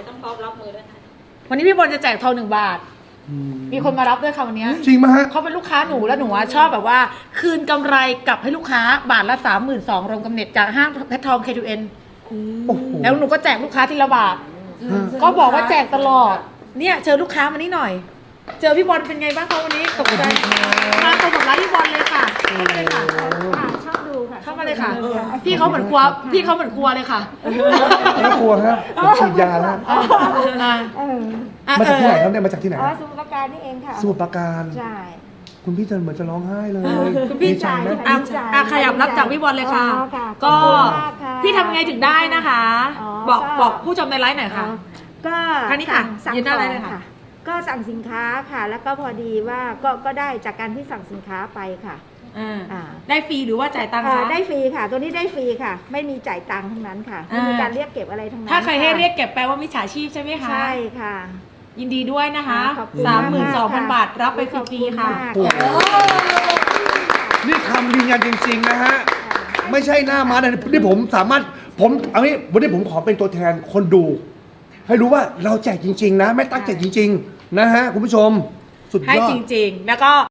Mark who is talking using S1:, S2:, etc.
S1: แต่ต้องพร้อมรับมือด้วยค่ะ
S2: วันนี้พี่บอลจะแจกทอง1 บาทมีคนมารับด้วยค่ะวันนี้
S3: จริงไหมฮะ
S2: เขาเป็นลูกค้าหนูแล้วหนูชอบแบบว่า คืนกำไรกลับให้ลูกค้าบาทละ 32,000รวมกำเนิดจากห้างเพชรทอง K2N
S3: โอ้โห
S2: แล้วหนูก็แจกลูกค้าทีละบาทก็บอกว่าแจกตลอดเนี่ยเจอลูกค้ามานี่หน่อย เจอพี่บอลเป็นไงบ้างคะวันนี้ตกใจมาตรงกับร้านพี่บอลเลยค่ะเข้ามาเลยค่ะ
S4: ชอบดูค่ะ
S2: เข้ามาเลยค่ะ พี่เขาเหมือนกลัวพี่เขาเหมือนกลัวเลยค่ะ
S3: ไม่กลัวฮะผมฉีดยาแล้ว มาจากที่ไหนครับเนี่ยมาจากที่ไหน
S4: อ๋อสมุทรปราการนี่เองค่ะ
S3: สมุทรปราการ
S4: ใช่
S3: คุณพี่จะเหมือนจะร้องไห้เลย
S2: คุณพี่
S3: ดีใจไหม
S2: ขยับรับจากพี่บอลเลยค่ะ
S4: อ๋อค่ะ
S2: ก็
S4: ขอบคุณมากค่ะ
S2: พี่ทำไงถึงได้นะคะ
S4: อ๋อ
S2: บอกผู้ชมในไลฟ์หน่อยค่ะ
S4: ก็
S2: ทางนี้ค่ะ
S4: สั่ง
S2: ยืนหน้า
S4: ข
S2: ไล
S4: อ
S2: ฟ์
S4: ง
S2: เลยค่ะ
S4: ค่ะ ก็สั่งสินค้าค่ะ แล้วก็พอดีว่าก็ได้จากการที่สั่งสินค้าไปค่ะ
S2: ได้ฟรีหรือว่าจ่ายตังค์คะ
S4: ได้ฟรีค่ะ ตัวนี้ได้ฟรีค่ะ ไม่มีจ่ายตังค์ทั้งนั้นค่ะไม่มีการเรียกเก็บอะไรทั้งนั้น
S2: ถ้าใครให้
S4: ะ
S2: เรียกเก็บแปลว่ามิจฉาชีพใช่ไหมคะ
S4: ใช่ค่ะ
S2: ยินดีด้วยนะคะ
S4: ขอบคุณมากค่ะ
S2: 32,000 บาทรับไปฟรีๆค่ะ
S4: ขอบคุณมาก
S3: โอ้โห นี่คำยืนยันจริงๆนะฮะ ไม่ใช่หน้าม้านะนี่ผมสามารถเอางี้วันนี้ผมขอเป็นตัวแทนคนดู ให้รู้ว่าเราแจกจริง ๆ นะ ไม่ตั้งใจจริง ๆ นะฮะคุณผู้ชม สุดยอด
S2: ให้จริงๆ แล้วก็